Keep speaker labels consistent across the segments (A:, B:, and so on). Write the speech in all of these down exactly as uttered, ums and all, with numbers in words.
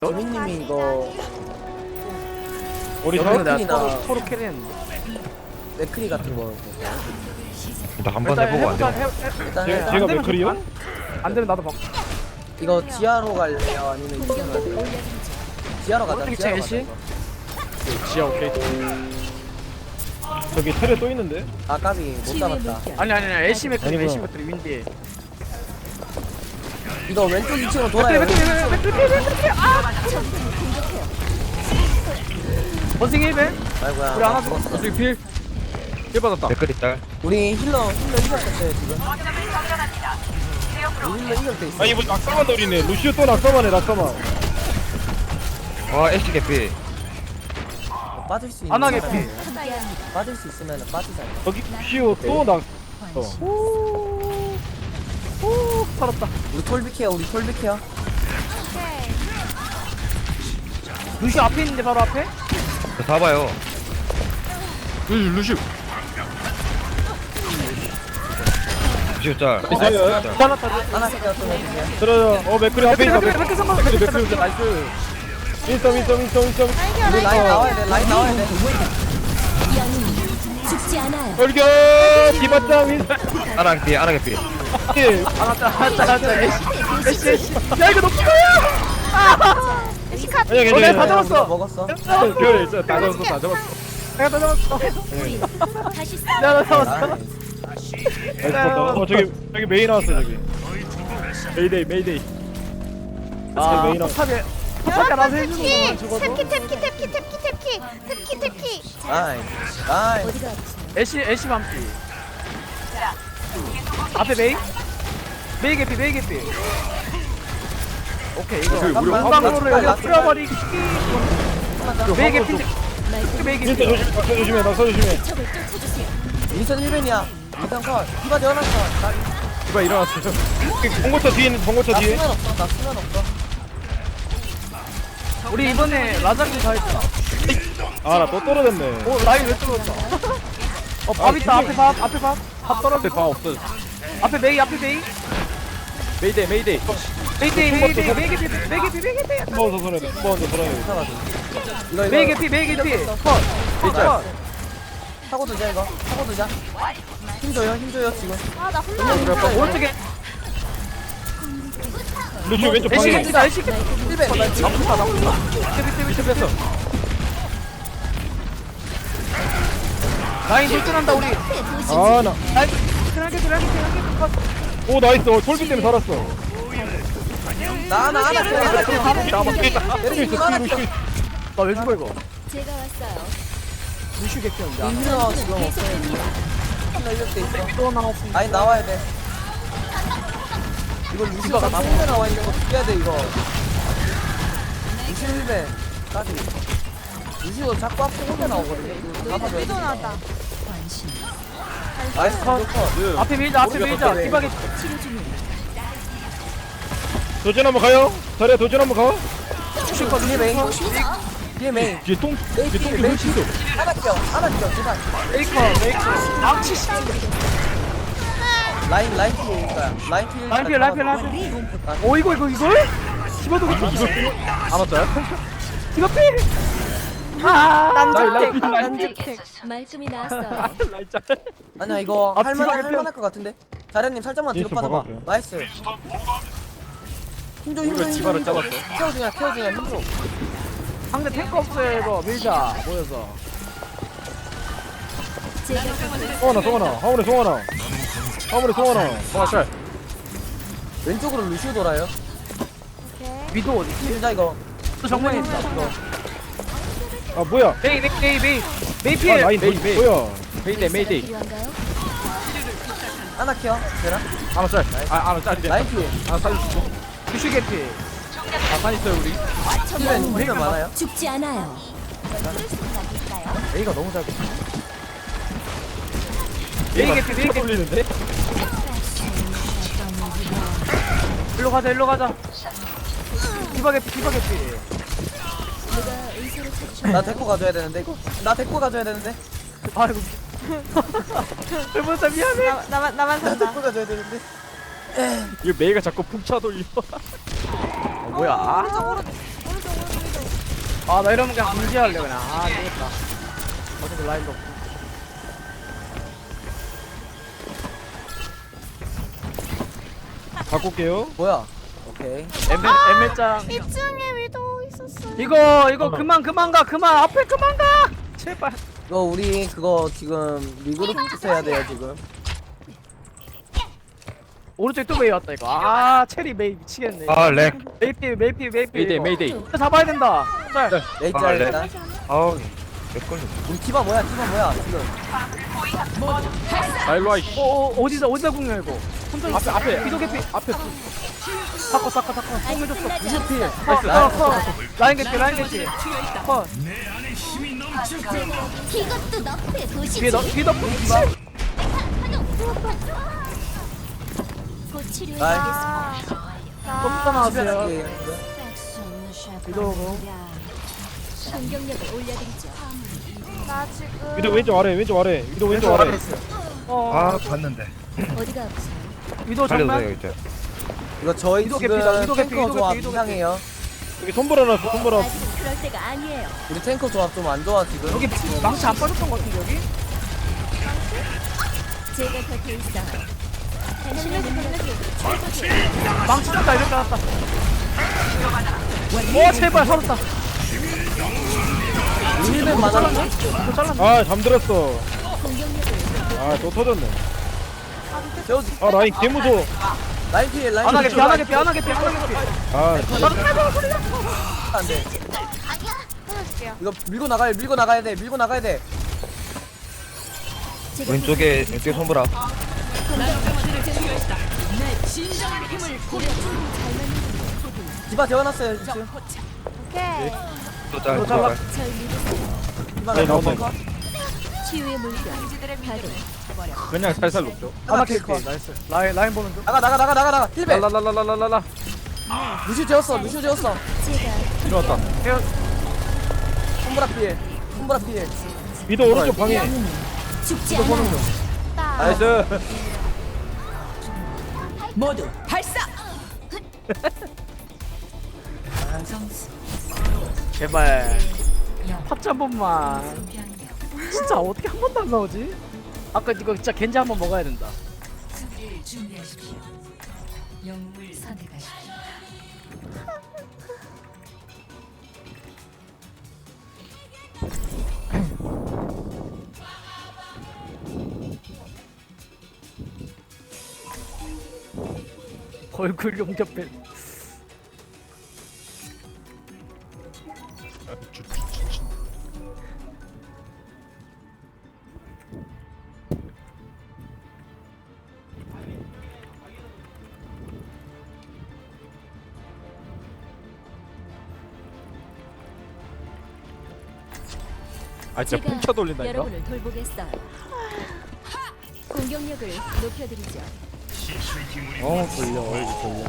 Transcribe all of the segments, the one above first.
A: 조민님이 이거
B: 우리
A: 여덟
B: 사
A: 분이나
B: 서로, 서로 캐리했는데.
A: 맥크리 같은 거
C: 나 한 번 해보고 안 돼.
A: 일단
B: 제,
A: 해서
B: 제가
D: 되면
B: 맥클이요?
D: 안,
B: 안 되면 나도 막.
A: 이거 지하로 갈래요? 아니면 이층 갈래요? 지하로 가자.
B: 오른쪽
A: 지하로
B: 애쉬?
A: 가자.
B: 지하 오케이. 저기 테레 또 있는데?
A: 아 까비 못 잡았다.
B: 아니 아니 아니 애쉬 맥클
C: 아니구나.
B: 애쉬 맥클 윈디.
A: 이거 왼쪽 이 층으로 돌아요. 왼쪽 이 층.
B: 원숭이 일 배.
A: 아이고야.
B: 우리 하나
A: 죽었어.
B: 죽었어. 저기 필. 필 받았다.
C: 댓글이 딸.
A: 우리 힐러 힐러 이겼었어요 지금. 우리 힐러 이길 때 있어.
B: 아 이거 낙사만 노리네. 루시오 또 낙사만해 낙사만.
C: 와 애쉬 개피.
A: 빠질 수 있는.
B: 안하게
A: 사람이
B: 필.
A: 빠질 수 있으면 빠지자.
B: 여기 루시오 또 낙. 어. 오 살았다.
A: 우리 톨비케어 우리 톨비케어.
B: 루시오 앞에 있는데 바로 앞에?
C: 저 잡아요.
B: 루시 루시오.
C: 루시오 짤.
B: 있어요.
C: 짤.
B: 살았다.
A: 하나 세개어 또 해주세요.
B: 들어요. 어 맥클이 앞에 있다.
D: 맥클이, 맥클이 성공, 맥클이
B: 맥클이
D: 맥클이.
B: 나이스. 인썸 인썸 인썸 인썸.
A: 우리 라인 나와야 돼. 라인 나와야 돼.
E: 영웅 죽지 않아요.
B: 돌격 디바짱 인썸.
C: 아랑 피 아랑 개피.
B: 알았다 알았다 알았다. 애쉬 애쉬 애쉬. 야 이거 높이 가요.
D: 시카
B: 아니야
D: 어,
B: 괜찮아.
D: 내가 다 잡았어.
A: 먹었어.
B: 별에 있어. 다 잡았어 다 잡았어.
D: 내가 다 잡았어.
E: 다시
B: 내가 다 잡았어.
A: 나이스.
B: 어 저기 저기 메이 나왔어 저기. 메이데이 메이데이. 아 메이 나왔어.
D: 탑에 탑에 나서 해주는 거만
F: 탭키
D: 죽어도.
F: 탭키 탭키 탭키 탭키 탭키 탭키 탭키
A: 나이스. 나이스.
E: 어디가 아프세요?
B: 애쉬 애쉬 반피. 앞에 메이. 메이 개피 메이 개피. 오케이 이거
A: 잠깐만.
B: 한방으로
A: 나
B: 여기다
A: 나
B: 뿌려버리기. 메이 개피. 메이 개피.
C: 진짜 조심. 낙서 조심해. 낙서 조심해.
E: 적을 쫓아주세요.
A: 민선 일 벤이야. 민선 컷. 디바 내어놨어. 나,
B: 디바 일어났어요. 봉고차 뒤에 있는 봉고차
A: 나
B: 뒤에.
A: 수면 없어. 나 수면 없어.
B: 우리 이번에 라자기 다 했다. 아 나 또 떨어졌네. 오 라인 왜 떨어졌어? 어밥 있다 앞에 밥 앞에 밥. 밥 떨어졌어. 앞에 밥 없어. 앞에 메이 앞에 메이. 메이데이 메이데이. 메이데이 메이데이 메이 개피 메이 개피 메이 개피.
C: 먹어서 손에 먹어서 손에.
A: 이거
B: 메이
A: 이거
B: 개피 메이 개피. 컷. 컷.
A: 타고 두자 이거. 타고 두자. 힘 줘요. 힘 줘요 지금.
F: 아나 혼자
B: 오른쪽에
C: 루시오 왼쪽
B: 애쉬
C: 방에.
B: 개피다 애쉬 개피.
A: 일 벤.
B: 나쁘다 나쁘다. 개피 개피 개피 뺐어. 라인 돌진한다 우리.
C: 아 나.
B: 라인 드라게 드라게 드라게 컷.
C: 오 나이스. 어, 솔비 때문에 살았어.
A: 나나 하나 켜. 하나 켜.
B: 남았겠다.
A: 내리지 하나 켜.
B: 나왜 죽어 이거?
E: 제가 왔어요.
B: 루슈 개피인데.
A: 이 힐러 지금 없어.
E: 계속됩니다.
A: 힐러 이럴 때 있어.
B: 또 나왔어.
A: 라인 나와야 돼. 이거 루시가 나무에 나와 있는 거 죽여야 돼 이거. 루시 일 벤. 까지. 루시도 자꾸 앞에 혼자 나오거든요. 이거 잡아줘야 돼.
F: 위도 나왔다
A: 나이스 컷. 컷.
B: 앞에 밀자 앞에 밀자.
A: 네.
B: 디바게.
E: 치료 중이에요.
C: 도전 한번 가요. 자리야 도전 한번 가.
A: 슈퍼 뒤에 메인. 뒤에 메인.
C: 뒤에 똥.
A: 메인
C: 뒤에 똥
A: 뒤에
C: 왜
A: 메인.
C: 치죠?
A: 하나 켜. 하나 켜. 제발.
B: 메이커 메이커. 망치 씨.
A: 라인 라인 뒤에 있어요. 라인 뒤에.
B: 라인 피해 라인 피해 라인 피해. 오 이거 이거 이걸? 집어도 이거 이거. 안 왔어요? 이거 피. 아
F: 남주택
B: 라인 라인
F: 남주택
E: 말끔히 나왔어요.
B: 라인 짤.
A: 아니야 이거
B: 아,
A: 할만할
B: 뒤로
A: 할만할 것 같은데. 자련님 살짝만 뒤로
C: 예수
A: 빠져봐.
C: 박아볼게요.
A: 나이스. 힘줘 힘줘
B: 우리가
A: 힘줘.
B: 디바를
A: 힘줘.
B: 잡았어.
A: 케어 중이야 케어 중이야 힘줘.
B: 상대 탱크 없어요 이거 밀자 모여서.
E: 제가 곁에
C: 송하나 송하나. 하울의 송하나. 하울의 송하나.
B: 와 짤.
A: 왼쪽으로 루시오 돌아요.
B: 위도 어디?
A: 힘주자 이거.
B: 또 정면에 있다.
C: 아 뭐야?
B: 메이 메이 메이 메이 메이
C: 아
B: 피해.
C: 라인
B: 메이
C: 메이
B: 메이.
C: 뭐야?
B: 메이데이 메이데이.
E: 필요한가요?
A: 하나 켜. 되나?
B: 하나 짤. 아 하나 짤.
A: 라인 뒤에.
B: 하나 살려주고. 슈슈 개피. 아산 있어요 우리.
A: 힐벤 힐벤 많아요.
E: 죽지 않아요.
A: A가 너무 잘.
B: 메이 개피 메이 개피. 올리는데? 일로 가자 일로 가자. 디바 개피 디바 개피.
E: 누가 의사를 찾으셨
A: 나 데리고 가줘야 되는데 이거. 나 데리고 가줘야 되는데.
B: 아이고. 여보사 미안해.
F: 나, 나만 나만
A: 나
F: 산다
A: 데리고 가줘야 되는데.
B: 이거 메이가 자꾸 풍차 돌려. 어, 뭐야?
F: 오른쪽 오른쪽 오른쪽
B: 아 나 이러면 그냥 공지할래 그냥. 아 되겠다. 어차피 라인도 없고.
C: 바꿀게요.
A: 뭐야? 오케이.
B: 엠메 엠메짱.
F: 이 층에 위도 있었어.
B: 이거 이거 그만 그만 가 그만 앞에 그만 가. 제발.
A: 이거 우리 그거 지금 리그룹 해야 돼요 지금.
B: 오른쪽 또 메이 왔다 이거. 아 체리 메이 미치겠네.
G: 아 렉.
B: 메이피 메이피 메이피.
D: 메이데이
B: 이거.
D: 메이데이.
B: 이거 잡아야 된다. 짤.
A: 레이트
G: 아, 네.
A: 일단.
G: 아우 렉 걸려.
A: 우리 티바 뭐야? 티바 뭐야? 지금.
D: 아 일로 와 이씨.
B: 어, 어 어디서 어디서 궁녀 이거. 혼자
D: 앞에 앞에
B: 비도 개피.
D: 앞에.
B: 사커 사커 사커. 뽕 해줬어.
A: 루시피.
B: 컷, 컷, 컷. 라인 개피 라인 개피. 컷.
F: 이것도 너프의 도시지.
B: 뒤에 너 뒤에 너 뽕이봐.
F: 곧
A: 나이스.
F: 치료해야겠습니다.
B: 좀 나왔어요.
A: 예.
B: 위도우고.
E: 공격력을 올려드리죠.
F: 나 지금
C: 위도 왼쪽 아래, 왼쪽 아래. 위도 왼쪽 아래.
B: 어.
G: 아 봤는데.
E: 어디가 아프세요?
B: 위도
G: 살려주세요
B: 정면.
G: 이제.
A: 이거 저희
B: 위도
A: 지금
B: 개피다, 위도 개피,
A: 탱커
B: 위도
A: 조합
B: 개피, 위도
A: 이상해요.
C: 여기 손보라 놨어, 손보라.
E: 아직은 그럴 때가 아니에요.
A: 우리 탱커 조합 좀 안 좋아 지금.
B: 여기 망치 안 빠졌던 것 같은데 여기?
E: 제가 곁에 있어요. 당신의 능력이
B: 망치 졌다 이렇게 알았다. 오 제발 살았다.
A: 힐맨 많았나?
B: 이거 잘랐네.
C: 아, 잠들었어.
E: 공격력을
C: 아, 또 터졌네.
A: 저
C: 아, 라인 개무서워.
A: 라인 피해 라인
B: 안 하게
A: 피해.
B: 피, 안 하게 피, 안 하게 피, 안 하게 피.
C: 아,
A: 안 돼.
F: 끊어줄게요.
A: 이거 밀고 나가야 밀고 나가야 돼. 밀고 나가야 돼.
E: 제가
G: 왼쪽에 왼쪽에 손보라.
A: 디바 재워놨어요 지금.
F: 오케이.
G: 또 짤.
B: 또
G: 또
B: 잘라.
G: 짤.
E: 절 믿으세요.
A: 디바
C: 네,
A: 나오고.
C: 나온다.
E: 치유의 물결 가동.
D: 그냥 살살 녹죠.
B: 하나 캐릭터. 나이스. 라인 라인 보는 중.
A: 나가 나가 나가 나가 나가. 힐맨.
D: 랄랄랄랄랄랄라.
A: 루시오 재웠어. 루시오 재웠어.
E: 제가
D: 이리 왔다.
A: 손보라 피해. 손보라 피해.
C: 위도 오른쪽 방에.
E: 죽지 않아요.
F: 나
D: 나이스.
B: 제발. 파츠 한 번만. 진짜 어떻게 한 번도 안 나오지? 아까 이거 진짜 겐지 한 번 먹어야 된다. 얼굴 용접해.
D: 아 진짜
E: 제가
D: pun쳐 돌린다니까.
E: 여러분을 돌보겠어요. 공격력을 높여드리죠.
A: 어 돌려. 얼굴 돌려.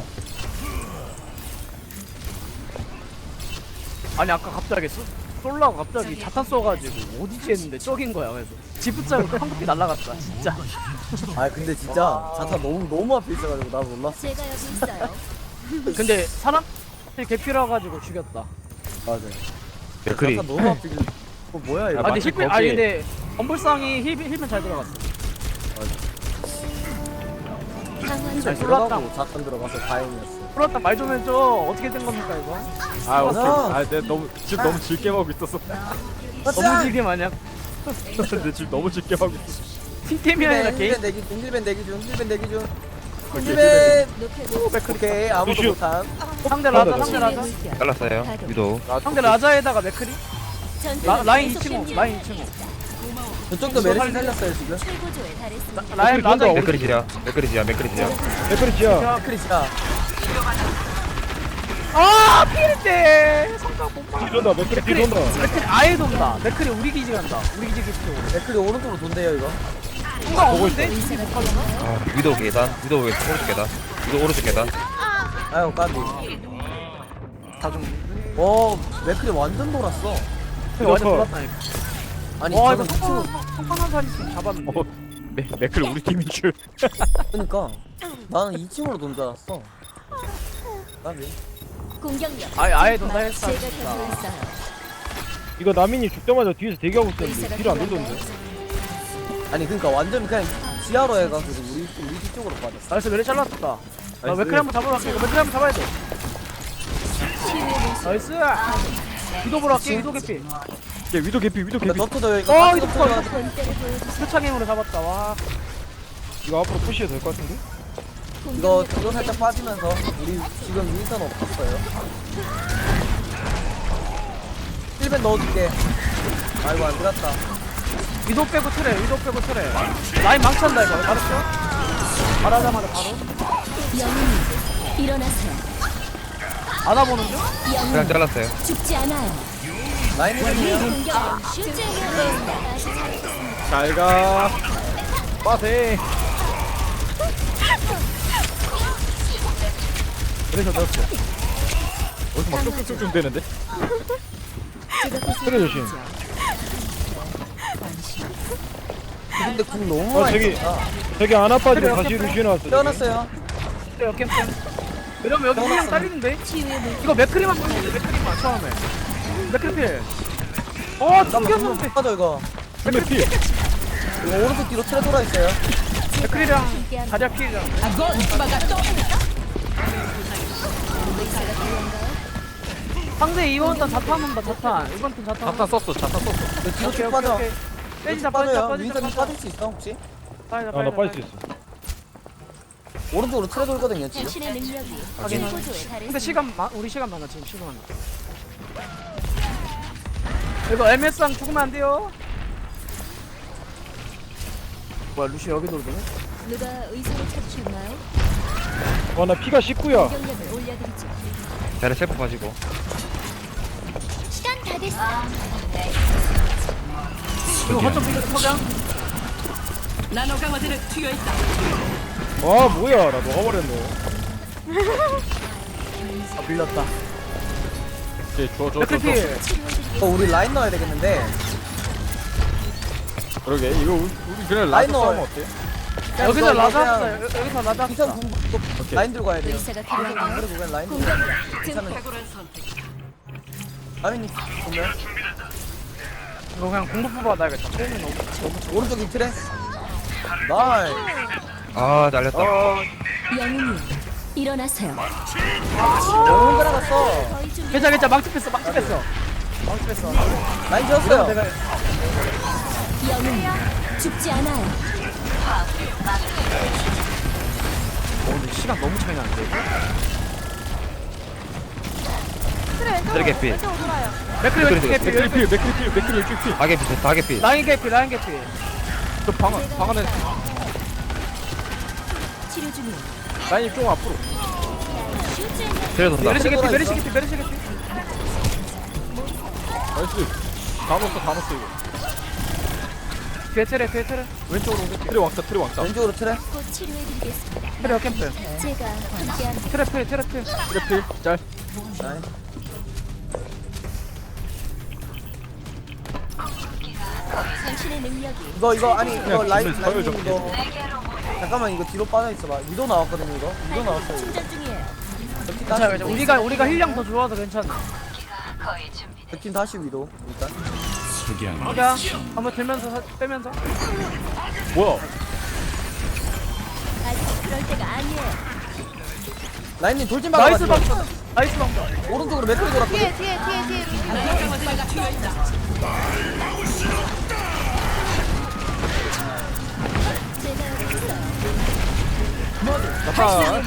B: 아니 아까 갑자기 쏘, 쏠라고 갑자기 자탄 쏘가지고 어디지 했는데 저긴 거야. 그래서 지붙잡고 황급히 날라갔다 진짜.
A: 아 근데 진짜 자타 너무 너무 앞에 있어가지고 나 몰랐어.
E: 제가 여기 있어요.
B: 근데 사람 개피라 가지고 죽였다.
A: 맞아.
G: 맥크리.
A: 자타 너무 앞에. 있- 어 뭐야 이거?
B: 아 근데
D: 마치
B: 힐
D: 거기에-
B: 아니 근데 엄불상이 힐 힐면 잘 들어갔어.
E: 강화
A: 잘
B: 쏠랐다.
A: 들어가고 자탄 들어가서 다행이었어.
B: 풀었다 말 좀 해줘. 어떻게 된 겁니까 이거?
D: 아 오케이.
A: 맞아.
D: 아 내가 너무 집 너무 질게 먹고 있었어.
B: 너무 질게 마냥
D: 내집 너무 질게 먹고 있었어.
B: 팀템이 아니라
A: 힐맨
B: 개인.
A: 힐맨 대기 중 힐맨 대기 중 힐맨 대기 중.
D: 오케이,
A: 힐맨.
E: 높여드리죠.
A: 오케이 아무도
C: 루시오.
A: 못함.
B: 상대 라자 상대
E: 치유의
B: 라자.
E: 물결
G: 잘랐어요.
E: 가동.
G: 위도.
B: 상대 라자에다가 맥크리.
E: 전투는
B: 라, 라인 이
E: 계속됩니다.
B: 층 라인 이 층.
A: 저쪽도 메르시 살렸어요 지금.
E: 최고조에 달했습니다.
B: 라인 라자 이
G: 맥크리 지야. 맥크리 지야. 맥크리 지야.
C: 맥크리치야.
A: 크리스야.
B: 아 필인데 성각 못 봐.
C: 뒤돈다, 맥크리 뒤돈다.
B: 맥크리 아예 돈다. 맥크리 우리 기지 간다. 우리 기지 기지로.
A: 맥클이 오른쪽으로 돈대요 이거.
B: 뭔가 없는데?
E: 의사가 필요한가요?
G: 아 위도 계단. 위도 왼 오른쪽 계단. 위도 오른쪽 계단.
A: 아유 까비.
B: 다 좀.
A: 와 맥클이 완전 돌았어.
B: 완전
C: 커.
B: 돌았다니까.
A: 아니
B: 와
A: 저는
B: 이거
A: 미친.
B: 성공한 사람 있으면 잡았는데.
D: 어, 맥 맥클 우리 팀인 줄.
A: 그러니까 나는 이 층으로 돈 줄 알았어. 까비.
E: 공격력.
B: 아예 아예 돈다 했어.
E: 제가 곁에 있어요.
C: 이거 나민이 죽자마자 뒤에서 대기하고 있었는데 뒤로 안 돌던데.
A: 아니 그러니까 완전 그냥 지하로 해가지고 우리 우리 뒤쪽으로 빠졌어.
B: 나이스 메리 잘랐다. 나
D: 나이스.
B: 맥크리 한번 잡으러 갈게. 이거 맥크리 한번 잡아야 돼. 나이스. 위도 보러 갈게. 위도 개피.
D: 얘 위도 개피 위도
A: 근데
D: 개피.
A: 너트도 여기
B: 어 이거
A: 너트도
B: 커.
A: 여기
E: 본때를 보여주세요.
B: 표창 힘으로 잡았다. 와.
C: 이거 앞으로 푸시해도 될 것 같은데?
A: 이거 뒤로 살짝 빠지면서 우리 지금 윈선 없었어요. 힐벤 넣어줄게. 아이고 안 들었다.
B: 위도 빼고 트레. 위도 빼고 트레. 라인 망친다 이거. 알았죠? 말하자마자 바로.
E: 영웅님 일어나세요.
B: 알아보는 중?
G: 그냥
E: 영웅
G: 잘랐어요.
E: 죽지 않아요.
A: 라인 힐벤이요.
E: 공격은 쉽게 이겨내겠다. 아직 살아있습니다.
D: 잘가. 빠세. 그래서 넣었어. 어디서 막 쭉쭉쭉쭉 되는데?
E: 제가
C: 그래, 조심.
A: 근데 궁 너무
C: 어
A: 많이
C: 저기
A: 썼다.
C: 저기 안 아파지고
B: 그래요,
C: 다시
B: 그래요.
C: 루시오 나왔어. 저기.
A: 태어났어요.
B: 트레 역캠 캠. 이러면 여기 그냥 딸리는데?
E: 치유의 물
B: 이거 맥크리만 보는데 맥크리만 처음에. 맥크리 필. 어 튕겼는데.
A: 빠져 이거.
D: 근데 피.
A: 이거 오른쪽 뒤로 틀어 돌아 있어요.
B: 맥크리랑 자리야 필이랑.
E: 의사가 필요한가요?
B: 상대 이번 턴 자탄 온다 자탄. 이번 턴 자탄.
D: 자탄 썼어 자탄 썼어.
A: 이거 뒤로
B: 오케이,
A: 쭉
B: 오케이,
A: 빠져.
B: 오케이. 빼지자
A: 빠져요.
B: 빠지자 빠지자
A: 윈선이
B: 빠지자.
A: 빠질 수 있어 혹시?
B: 빠지자
C: 아나
B: 빠지자.
C: 빠질 수 있어.
A: 오른쪽으로 틀어 돌거든요 지금.
E: 당신의 능력이
B: 확인.
E: 최고조에
B: 근데
E: 달했습니다.
B: 시간 많 우리 시간 많아 지금 시간 많아. 이거 엠에스랑 죽으면 안 돼요. 뭐야 루시 여기 돌더네?
E: 누가 의사를 찾으셨나요?
C: 와나 피가 십구야.
E: 공격력을 올려드리죠.
G: 자리 세번 빠지고.
E: 시간 다 됐어.
B: 이거 허점 피가 서장.
C: 와 뭐야 나 녹아버렸네.
B: 아 밀렸다.
D: 오케이 줘줘줘
B: 맥크리
D: 줘.
B: 필.
A: 어, 우리 라인 넣어야 되겠는데.
D: 그러게 이거 우리, 우리 그냥 라이트
A: 라이너.
D: 싸우면 어때?
A: 그냥
B: 여기서
A: 이거
B: 라자
A: 그냥
B: 합시다. 여- 여기서 라자
A: 이선
B: 합시다.
A: 궁
D: 오케이.
A: 라인 들고 가야 돼요.
E: 의사가 필요한가요?
A: 그리고 그냥 라인 들고.
E: 공격력 증폭.
A: 괜찮은. 라인 보면
B: 이거 그냥 공부 받아야겠다. 처음에 너무.
A: 오른쪽이 틀에. 나이.
G: 아 잘렸다.
E: 영웅님 일어나세요.
A: 너무 혼자 나갔어.
E: 거의 준비.
B: 괜찮아 괜찮아 망치 뺐어 망치 뺐어. 망치 뺐어.
A: 라인
B: 이러면
A: 지었어요.
B: 내가
E: 영웅 죽지 않아요.
B: 어 근데 시간 너무 차이 나는데.
F: 트레 왼쪽으로
G: 트레 개피.
F: 왼쪽으로 돌아요.
B: 맥크리 왼쪽 개피.
D: 맥크리 필 맥크리 필 맥크리 왼쪽 필.
G: 다 개피 됐다 다 개피.
B: 라인 개피 라인 개피.
D: 저방 방 안에
E: 치료 중이에요.
D: 라인이 좀 앞으로.
G: 트레 돈다.
B: 메르시 개피 메르시 개피 메르시 개피.
D: 나이스. 다 넣었어 다 넣었어 이거.
B: 뒤에 트레 뒤에 트레.
D: 왼쪽으로 오게. 트레 왕자 트레 왕자.
A: 왼쪽으로 틀에.
E: 곧 치료해드리겠습니다.
B: 트레 캠프.
E: 제가 함께합니다.
B: 트레 필 트레 필.
D: 트레 필 짤.
A: 라인.
E: 당신의 능력이
A: 이거 이거 아니 이거
D: 그냥
A: 라인
D: 기분 서열
A: 라인
D: 좀
A: 이거. 잠깐만 이거 뒤로 빠져 있어봐. 위도 나왔거든요 이거. 위도 나왔어요. 이거.
E: 충전 중이에요.
A: 백팀
B: 괜찮아
A: 다시.
B: 괜찮아. 우리가 우리가 힐량 더 좋아서 괜찮아.
A: 백팀 다시 위도 일단.
B: 그냥 한번 들면서 사- 빼면서.
D: 뭐야?
E: 아직 그럴 때가 아니에요.
A: 라인님 돌진
B: 나이스
A: 막아가지고
B: 방금. 나이스 방금.
A: 오른쪽으로 맥크리 돌았거든.
F: 뒤에 뒤에 뒤에 뒤에 루시.
E: 제가 여기 있어요.
D: 나타.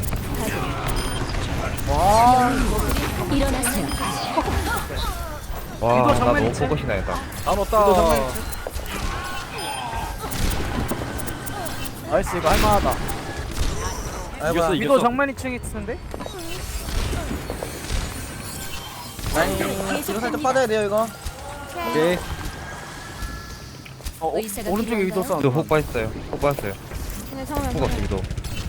E: 일어나세요.
G: 와
B: 이거
G: 나
B: 정면
G: 너무
B: 있지?
G: 포커싱 나겠다.
D: 다 넣었다.
B: 나이스 이거 할만하다.
A: 아이고
D: 이겼어,
B: 위도 정면 이 층에 있는데?
A: 라인 뒤로 살짝 빠져야 돼요 이거.
D: 오케이.
B: 어, 어
E: 의사가
B: 오른쪽에 위도
E: 필요한가요?
B: 싸움.
G: 위도 훅 빠졌어요. 훅 빠졌어요.
F: 네, 정면
G: 훅 없어 위도.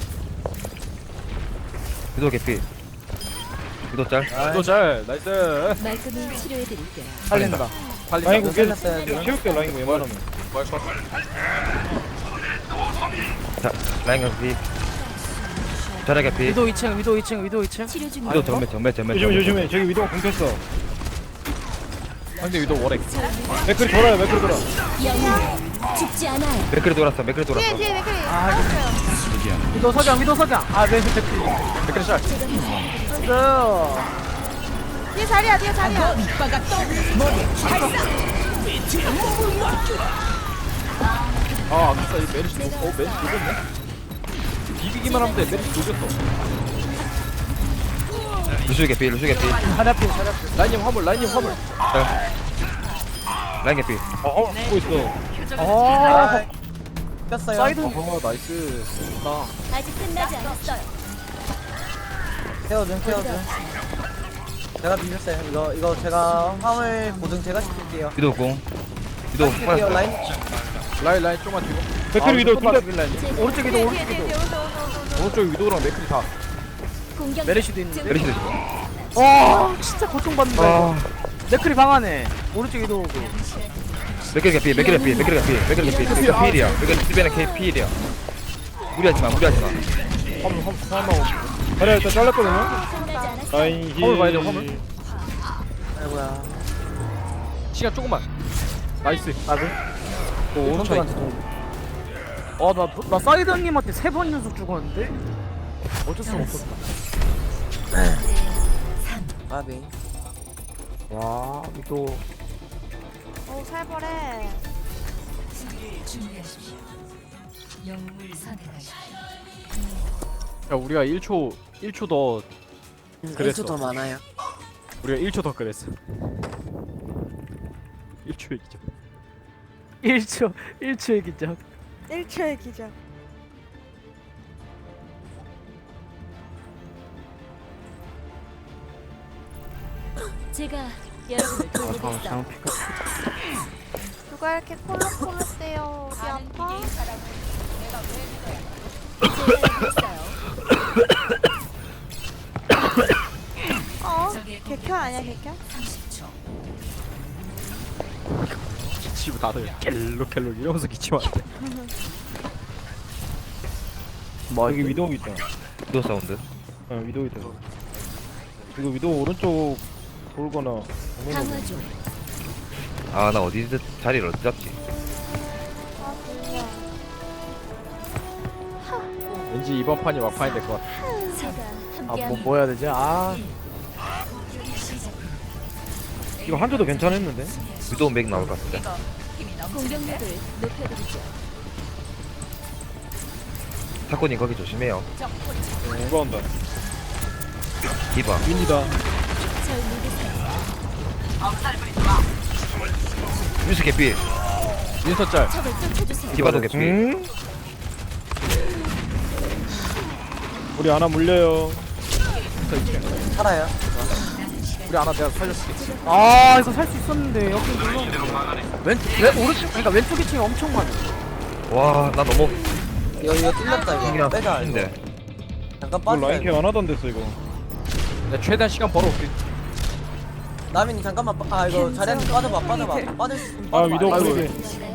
G: 위도 개피. 위도 짤.
D: 또 잘. 나이스.
E: 말끔히 치료해드릴게요.
B: 살린다.
D: 달리.
C: 라인 국계
A: 살렸어요 지금.
C: 채울게 라인 웬만하면.
G: 자 라인 개피. 자리 개피.
B: 위도 이 층 위도 이 층 위도 이 층.
E: 치료 중이에요.
G: 위도 정면 정면 정면.
C: 조심해
G: 정면.
C: 조심해 저기 위도가 공켰어.
D: 상대 위도 월액.
C: 맥클이 돌아요 맥클이 돌아.
E: 영웅 죽지 않아요.
G: 맥크리 돌았어 맥크리
F: 뒤에
G: 돌았어.
F: 뒤에 댓글이.
B: 아,
F: 알았어요.
B: 위도 석양 위도 석양. 아 네, 네, 댓글.
D: 댓글 샷.
F: 뒤에 자리야 뒤에 자리야.
D: 아 아까 이 메리시 녹. 어 메리시 녹였네. 비비기만 하면 돼. 메리시 녹였어.
G: 루슈 개피 루슈 개피.
B: 자리 앞에 자리 앞에.
D: 라인님 화물 라인님 화물.
G: 라인 개피.
C: 어, 어 보고 있어.
B: 아,
A: 꼈어요.
B: 사이드.
D: 어 나이스. 나.
E: 아직 끝나지 않았어요.
A: 케어준 케어준. 제가 비볐어요. 이거 이거 제가 화물 보증 제가 시킬게요.
G: 위도 공. 위도
A: 시킬게요
G: 공.
A: 라인.
D: 라인 라인 좀만 뒤로.
C: 맥클이 위도
D: 아,
C: 둘다
D: 비빌 라인.
B: 오른쪽 위도
F: 뒤에
B: 오른쪽
F: 뒤에 뒤에
B: 위도.
F: 오른쪽 오른쪽 오른쪽.
D: 오른쪽 위도랑 맥크리 다.
E: 공격.
B: 메르시도 있는데.
G: 메리시도 있어.
B: 와, 진짜 고통받는다.
G: 아.
B: 이거. 네클이 방 안에. 오른쪽 위도 오고.
G: 맥크리 개피 맥크리 개피 맥크리 개피 맥크리 개피. 맥크리 필이야. 맥크리 스벤의 K 필이야. 무리하지 마 무리하지 마.
D: 화물 화물 화물.
C: 자리야 일단 잘랐거든요.
E: 끝나지 않았어요.
C: 라인 힐.
D: 화물 봐야 돼, 화물.
A: 아이고야.
D: 시간 조금만. 나이스.
B: 나도.
D: 오 오른쪽.
A: 선수한테 동.
B: 아, 나, 나 사이드 형님한테 세 번 연속 죽었는데? 어쩔 수 없었다.
A: 아비.
B: 와, 위도.
F: 오 살벌해.
D: 야 우리가 일 초 일 초 더 그랬어.
A: 일 초 더 많아요.
D: 우리가 일 초 더 그랬어. 일 초의 기적.
B: 일 초, 일 초의 기적.
F: 일 초의 기적.
E: 제가 여러분을
B: 아, 잠깐만,
E: 돌보겠어.
B: 잘못 피카.
F: 누가 이렇게 콜록콜록대요. 어디 아파? 어? 개켜 아니야 개켜?
D: 기치고 다들 갤로갤로 이러면서 기치면 안 돼.
C: 뭐 여기 위도 있다.
G: 위도 사운드.
C: 어 위도 있다. 이거 위도 오른쪽 돌거나.
E: 강화 중.
G: 아 나 어디 자리를 어디 잡지?
F: 아 졸려.
D: 왠지 이번 판이 막판이 될 것 같아.
E: 제가
B: 아,
E: 함께
B: 뭐, 뭐 해야 되지? 아,
C: 이거 한조도 괜찮았는데.
G: 위도 맥 나올 것 같은데.
E: 공격력을 높여드리죠.
G: 타코님 거기 조심해요.
C: 누가 온다.
G: 디바.
C: 윈이다.
E: 절 믿으세요.
G: 유스 개피.
D: 윈서 짤.
E: 적을 쫓아주세요.
G: 디바도 개피.
C: 응? 우리 하나 물려요.
A: 살아요.
D: 우리 하나 내가 살렸을게.
B: 아, 이거 살 수 있었는데. 여기 눌러. 왼, 왼, 오른쪽, 그러니까 왼쪽 이 층이 엄청 많아.
G: 와 나 너무
A: 이거 이거 뚫렸다 이거.
G: 그냥
A: 빼자 이거.
G: 인데.
A: 잠깐
C: 이거
A: 빠져.
C: 라인 케어 안 하던 데서 이거.
D: 내가 최대한 시간 벌어올게.
A: 남인이 잠깐만 빠- 아 이거 자리한테 빠져봐 빠져봐. 빠질 수 있으면
C: 아
A: 빠져봐.
C: 위도
A: 아이고.
C: 그러게.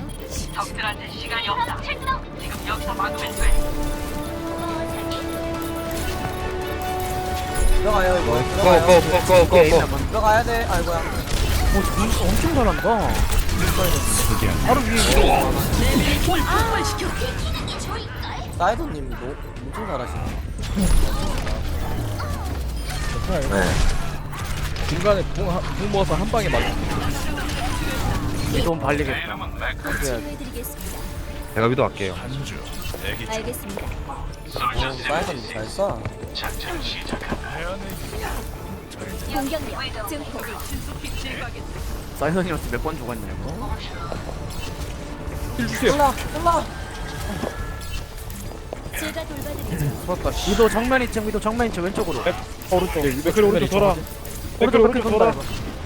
A: 들어가요 이거. 들어가요.
G: 고고고고고고.
A: 들어가야 돼. 아이고야.
B: 오, 진짜 엄청 잘한다. 바로 위에 위도.
A: 사이드님도 엄청 잘하시네.
D: 중간에 붕, 한- 붕 모아서 한 방에 맞아.
B: 위도 발리겠다.
E: 치료해드리겠습니다.
G: 제가 위도 할게요.
E: 알겠습니다.
A: 오, 사이드님 잘 써.
E: 공격력 증폭.
B: 사이드 형님한테 몇 번 죽었냐고.
D: 힐 주세요.
A: 올라 올라.
E: 제가 돌봐드리죠.
D: 풀었다. 씨.
B: 위도 정면 이 층, 위도 정면 이 층 왼쪽으로.
C: 오른쪽.
D: 네,
C: 맥클 오른쪽 돌아. 맥클
B: 오른쪽
C: 오른쪽
B: 그렇게
C: 돌아.
B: 돈다.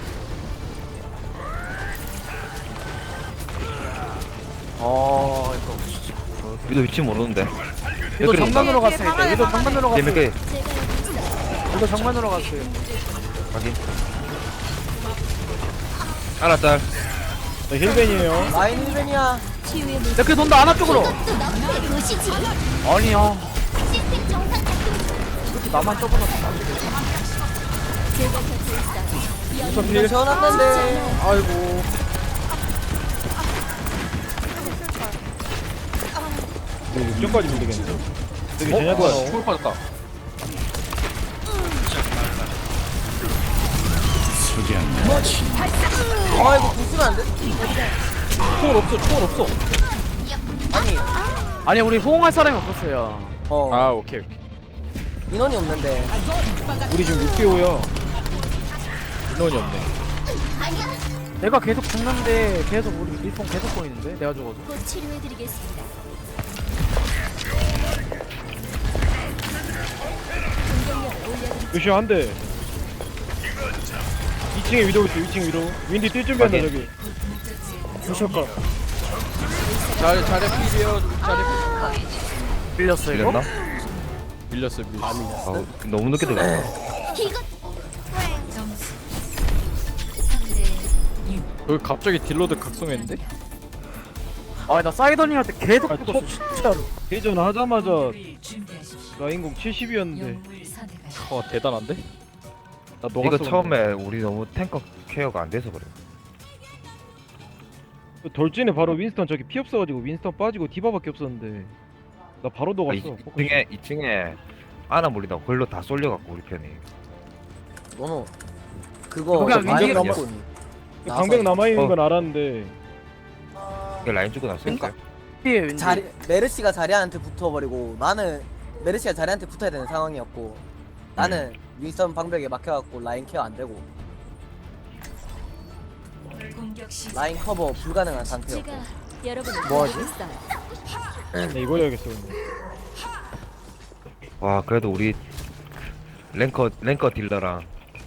B: 어, 이거.
G: 위도 위치 모르는데.
B: 위도
G: 맥클이
B: 정면으로
F: 뒤에
B: 갔으니까.
F: 방안에
B: 위도
F: 방안에
B: 정면으로
G: 네,
B: 갔어요.
G: 맥클
E: 제가 여기 있어요.
B: 위도 정면으로 갔어요.
G: 확인. 하나 짤.
C: 자, 힐벤이에요.
A: 라인 힐벤이야.
E: 치유의 물.
B: 이렇게 돈다 안아 쪽으로.
E: 또 너프의 도시지.
B: 아니야.
E: 시스템 정상 작동 중.
B: 이렇게 나만 떠보나.
E: 제가 곁에 있어요.
C: 우선
A: 이거
C: 필.
A: 재워놨는데. 아이고.
C: 뭐 육점까지 밀리겠는데. 되게
D: 어?
C: 제냐타.
D: 뭐야 초월 빠졌다
A: 아 이거 부수면 안 돼?
D: 초월 없어 초월 없어
A: 아니.
B: 아니 우리 호응할 사람이 없었어요.
A: 어.
D: 아 오케이 오케이
A: 인원이 없는데.
C: 우리 지금 육 대 오야.
D: 인원이 없네
B: 내가 계속 죽는데 계속 우리 리폰 계속 보이는데 내가 죽어도.
E: 곧 치료해드리겠습니다. 공격력을 올려드리죠.
C: 루시오 한 대. 이 층에 위도우 있어. 이 층 위도우. 윈디 뛸 준비한다
G: 확인.
C: 저기.
B: 주실까?
D: 잘 잘해 필이에요 잘해
B: 밀렸어 이거?
G: 밀렸나?
D: 밀렸어 밀렸어
G: 아, 너무 늦게 들어갔다.
E: 이것
D: 여기 갑자기 딜로드 각성했는데?
B: 아나 사이더닝 할 때 계속
C: 아,
B: 죽었어 진짜로.
C: 대전 하자마자 라인공 칠십이었는데.
D: 어 대단한데?
C: 나
G: 이거
C: 녹았어.
G: 처음에 우리 너무 탱커 케어가 안 돼서 그래.
C: 근데. 돌진에 바로 윈스턴 저기 피 없어가지고 윈스턴 빠지고 디바밖에 없었는데. 나 바로
G: 아,
C: 녹았어.
G: 이 층에 이 층에 아나 물리다 걸로 다 쏠려갖고 우리 편이.
A: 너무 그거
B: 그냥
A: 많이
B: 윈디-
A: 넘고
C: 방벽 남아있는
G: 어.
C: 건 알았는데.
G: 이게 라인 주고 났으니까.
A: 그러니까.
B: 피해 왠지.
A: 자리 메르시가 자리한테 붙어버리고 나는 메르시가 자리한테 붙어야 되는 상황이었고 나는 윈스턴 방벽에 막혀갖고 라인 케어 안 되고 라인 커버 불가능한 상태였고.
E: 제가 여러분을
B: 뭐하지?
E: 도와드리겠어요.
C: 네, 이거 해야겠어. 근데.
G: 와 그래도 우리 랭커 랭커 딜러랑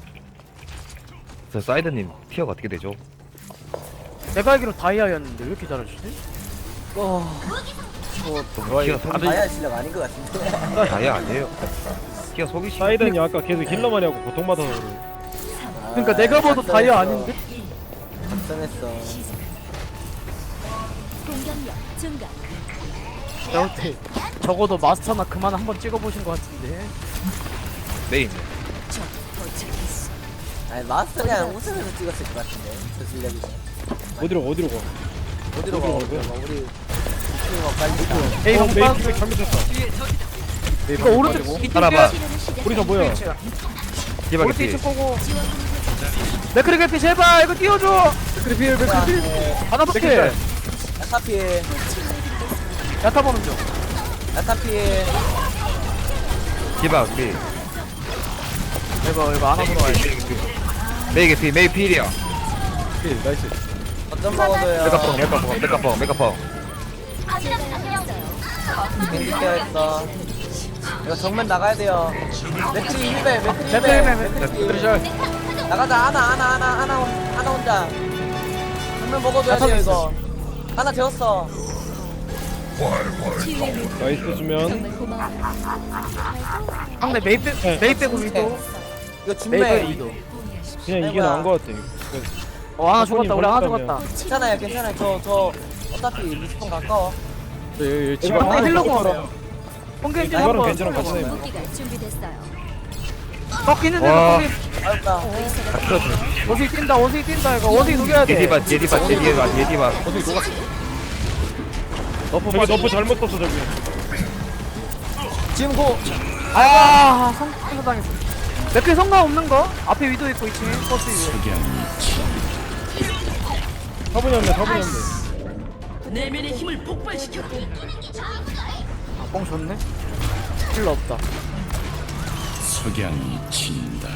G: 저 사이드님 티어가 어떻게 되죠?
B: 내가 알기로 다이아였는데 왜 이렇게 잘하시지?
A: 어,
G: 티어 속이
A: 아야 실력 아닌 것 같은데.
G: 다야 아니에요. 티어 속이 시.
C: 사이드니 아까 계속 힐러만 하고 고통받아서 그래.
B: 그러니까 내가 봐도 다이아 아닌데?
A: 작성했어.
E: 공격력 증가.
B: 여태 적어도 마스터나 그만 한번 찍어보신 것 같은데.
G: 메인.
A: 아니 마스터 그냥 웃으면서 찍었을 것 같은데 저 실력이면.
C: 어디로 어디로 가?
A: 어디로 가? 어디로 가? 우리 스트리머 빨리.
B: 에이
C: 어,
B: 형
C: 메인
B: 빠.
C: 킥백 잘못 쳤다.
B: 이거 오른쪽 이쪽
G: 하나만.
E: 치료를 시작.
C: 우리 저 뭐야?
G: 디바
B: 오른쪽
G: 개피.
B: 이쪽 보고. 맥크리 개피 제발 이거 띄워줘. 맥크리 필 맥크리 필. 하나 밖에.
A: 야타피,
B: 야타 보는 중.
A: 야타피.
G: 디바 우리.
B: 이거 이거 하나 보러 와야지.
G: 메이 개피 메이 필이야.
D: 오케이 나이스
A: 어떤 먹어도요.
G: 메카펑 메카펑 메카펑 메카펑.
E: 제가 있어요.
A: 겐지 케어했어. 이거 정면 나가야 돼요. 맥크리 힐베, 맥크리
B: 맥크리
A: 힐베,
B: 힐베,
A: 맥크리
D: 맥크리
A: 힐베. 나가자. 하나, 하나, 하나, 하나, 혼- 하나 혼자. 정면 먹어줘야 돼요 이거. 하나 되었어.
E: 치유의 물
C: 나이스 수면.
E: 정말 고마워요.
B: 상대 메이 빼 메이 빼고 위도.
A: 이거
B: 메이 빼고
A: 준매.
B: 위도.
C: 그냥 이게 나은 것 같아.
B: 어 하나 죽었다 우리 하나
C: 버렸다면.
B: 죽었다.
A: 괜찮아요, 괜찮아요. 저, 저 어차피 리스폰 가까워.
D: 네, 여기
C: 이거
D: 집안
C: 하나
B: 힐러
C: 힐러
B: 공. 뽕겐지
C: 이거는
B: 한번.
C: 괜찮아, 괜찮아. 이거.
E: 무기가 준비됐어요.
B: 꺾이는데
G: 와.
B: 꺾이.
A: 알았다.
G: 다 틀어줘.
B: 원숭이 뛴다 원숭이 뛴다 이거 원숭이 녹여야 돼.
G: 제디바 제디바 제디바 제디바.
C: 저기 너프 잘못 썼어 저기.
A: 지금 고.
B: 아 성공 당했어. 맥크리 성공 없는 거? 앞에 위도 있고 이 층에 버스 위에.
C: 사분이 없네 사분이 없네.
B: 아, 뽕 좋네. 힐러 없다.
H: 석양이 진다.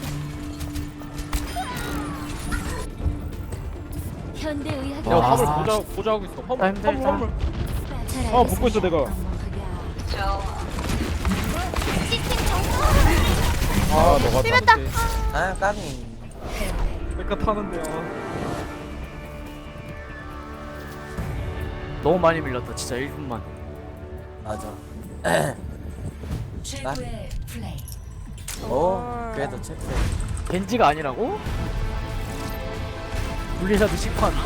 E: 현대 의학이
D: 야
B: 와.
D: 화물 보자 보자 하고 있어 화물
B: 나 힘들다.
D: 화물 화물
E: 잘
C: 아 붙고 있어 내가.
D: 아 너가
F: 씹었다.
A: 아, 까미.
D: 메카 타는데요
B: 너무 많이 밀렸다 진짜 일 분만.
A: 맞아. 오, 그래도 체크.
B: 겐지가 아니라고? 블리자드 시커한다.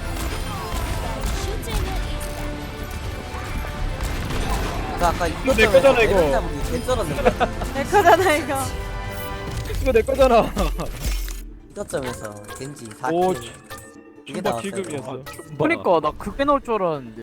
A: 그 아까
C: 이거 내 거잖아, 이거.
A: 개 쩔었는데.
F: 내 거잖아 이거.
C: 이거 내 거잖아.
A: 이점에서 겐지 사
C: 오
A: 킬. 이게
C: 춤바
A: 나왔어요.
C: 킬급이었어.
B: 그니까 나 그게 나올 줄 알았는데